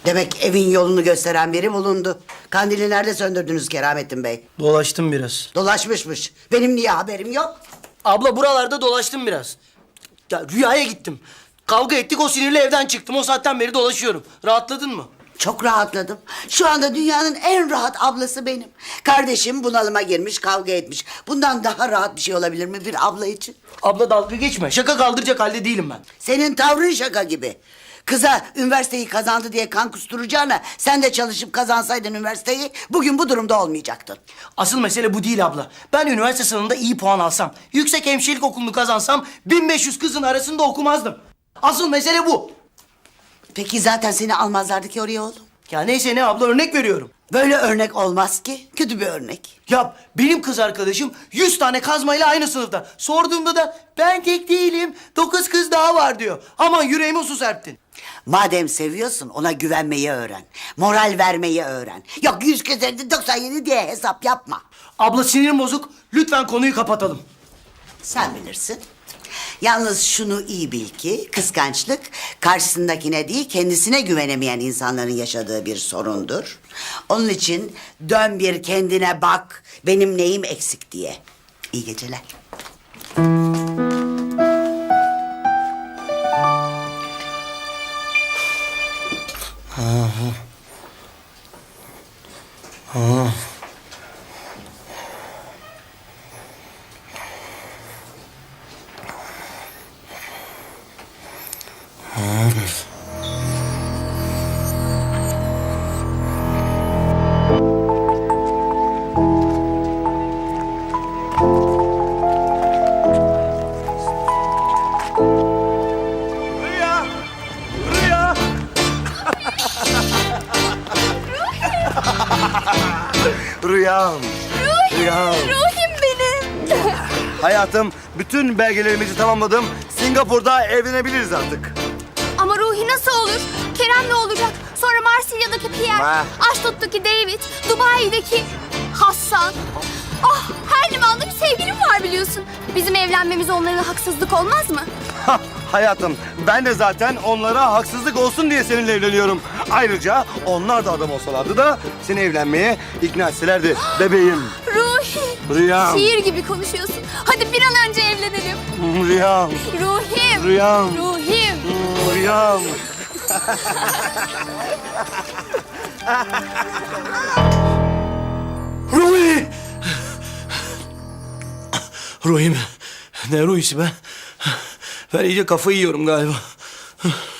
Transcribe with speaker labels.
Speaker 1: Demek evin yolunu gösteren biri bulundu. Kandili nerede söndürdünüz Keramettin Bey?
Speaker 2: Dolaştım biraz.
Speaker 1: Dolaşmışmış. Benim niye haberim yok?
Speaker 2: Abla buralarda dolaştım biraz. Ya Rüya'ya gittim. Kavga ettik, o sinirle evden çıktım. O saatten beri dolaşıyorum. Rahatladın mı?
Speaker 1: Çok rahatladım. Şu anda dünyanın en rahat ablası benim. Kardeşim bunalıma girmiş, kavga etmiş. Bundan daha rahat bir şey olabilir mi bir abla için?
Speaker 2: Abla dalga geçme. Şaka kaldıracak halde değilim ben.
Speaker 1: Senin tavrın şaka gibi. Kıza üniversiteyi kazandı diye kan kusturacağına sen de çalışıp kazansaydın üniversiteyi bugün bu durumda olmayacaktın.
Speaker 2: Asıl mesele bu değil abla. Ben üniversite sınavında iyi puan alsam, yüksek hemşirelik okulunu kazansam 1500 kızın arasında okumazdım. Asıl mesele bu.
Speaker 1: Peki zaten seni almazlardı ki oraya oğlum.
Speaker 2: Ya neyse ne abla, örnek veriyorum.
Speaker 1: Böyle örnek olmaz ki. Kötü bir örnek.
Speaker 2: Ya benim kız arkadaşım 100 tane kazmayla aynı sınıfta. Sorduğumda da ben tek değilim, 9 kız daha var diyor. Aman yüreğime su serptin.
Speaker 1: Madem seviyorsun ona güvenmeyi öğren. Moral vermeyi öğren. Yok 100 kez 97 diye hesap yapma.
Speaker 2: Abla sinirim bozuk, lütfen konuyu kapatalım.
Speaker 1: Sen bilirsin. Yalnız şunu iyi bil ki kıskançlık karşısındakine değil kendisine güvenemeyen insanların yaşadığı bir sorundur. Onun için dön bir kendine bak benim neyim eksik diye. İyi geceler.
Speaker 3: Rüya! Rüya! Rüyam! Rüyam!
Speaker 4: Ruhim benim.
Speaker 3: Hayatım, bütün belgelerimizi tamamladım. Singapur'da evlenebiliriz artık.
Speaker 4: Ama Ruhi nasıl olur? Kerem ne olacak? Sonra Marsilya'daki Pierre,
Speaker 3: Ha.
Speaker 4: Aşdod'daki David, Dubai'deki Hassan. Ah, her limanda bir sevgilim var biliyorsun. Bizim evlenmemiz onlara haksızlık olmaz mı?
Speaker 3: Hah, hayatım, ben de zaten onlara haksızlık olsun diye seninle evleniyorum. Ayrıca onlar da adam olsalardı da seni evlenmeye ikna etselerdi bebeğim.
Speaker 4: Ruhi,
Speaker 3: Rüyam!
Speaker 4: şiir gibi konuşuyorsun. Hadi bir an önce evlenelim.
Speaker 3: Rüyam!
Speaker 4: Ruhim,
Speaker 3: Rüyam!
Speaker 4: Ruhim.
Speaker 3: Rüyam!
Speaker 2: Ruhi! Ruhi mi? Ne Ruhi'si be? Ben iyice kafayı yiyorum galiba.